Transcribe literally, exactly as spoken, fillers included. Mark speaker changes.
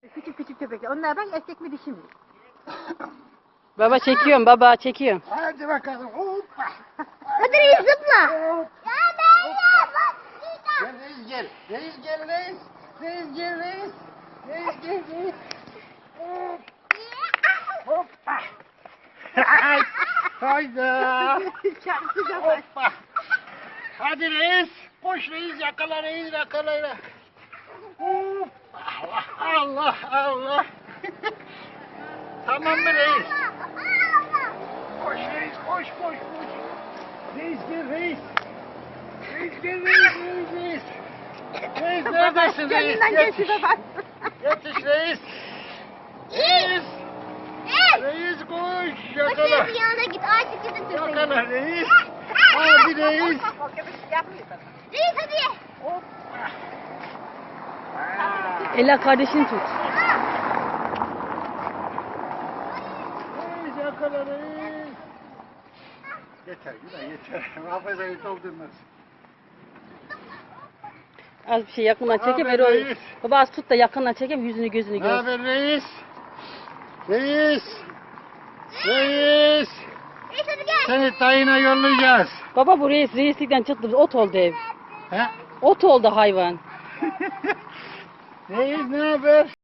Speaker 1: Küçük küçük köpekler. Onlardan erkek mi dişi mi?
Speaker 2: Baba çekiyorum baba çekiyorum.
Speaker 3: Hadi bakalım. Hoppa.
Speaker 1: Hadi reis zıpla.
Speaker 3: Hop.
Speaker 1: Ya ben ya.
Speaker 3: Gel reis gel. Reis gel reis. Reis gel reis. Reis gel reis. Hop. Hoppa. Hay. Hayda. Hoppa. Hadi reis. Koş reis yakala reis yakala. Hop. Allah Allah Allah. Tamam mı reis? Koş reis koş koş koş. Reis gel reis. Reis gel reis reis reis. Reis neredesin reis?
Speaker 1: Kendinden
Speaker 3: Yetiş.
Speaker 1: geçti baba.
Speaker 3: Yetiş reis. Reis. Reis koş yakala.
Speaker 1: Koşuyor yanına git. Artık gidin tüfeği.
Speaker 3: Yakala reis. Hadi reis.
Speaker 1: O köpek yapmıyor sana. Reis hadi.
Speaker 3: Hoppa. Ha.
Speaker 2: Ela kardeşini tut.
Speaker 3: Reis yakala reis. Yeter Günay yeter. Hafızayı doldurmaz.
Speaker 2: Az bir şey yakından çekeyim.
Speaker 3: Haber
Speaker 2: Erol.
Speaker 3: reis.
Speaker 2: Baba az tut da yakından çekeyim yüzünü gözünü
Speaker 3: Ne
Speaker 2: gör.
Speaker 3: haber reis? Reis. Reis.
Speaker 1: Reis hadi gel.
Speaker 3: Seni tayına yollayacağız.
Speaker 2: Baba bu reis reislikten çıktı. Ot oldu ev.
Speaker 3: He?
Speaker 2: Ot oldu hayvan.
Speaker 3: Reis ne haber?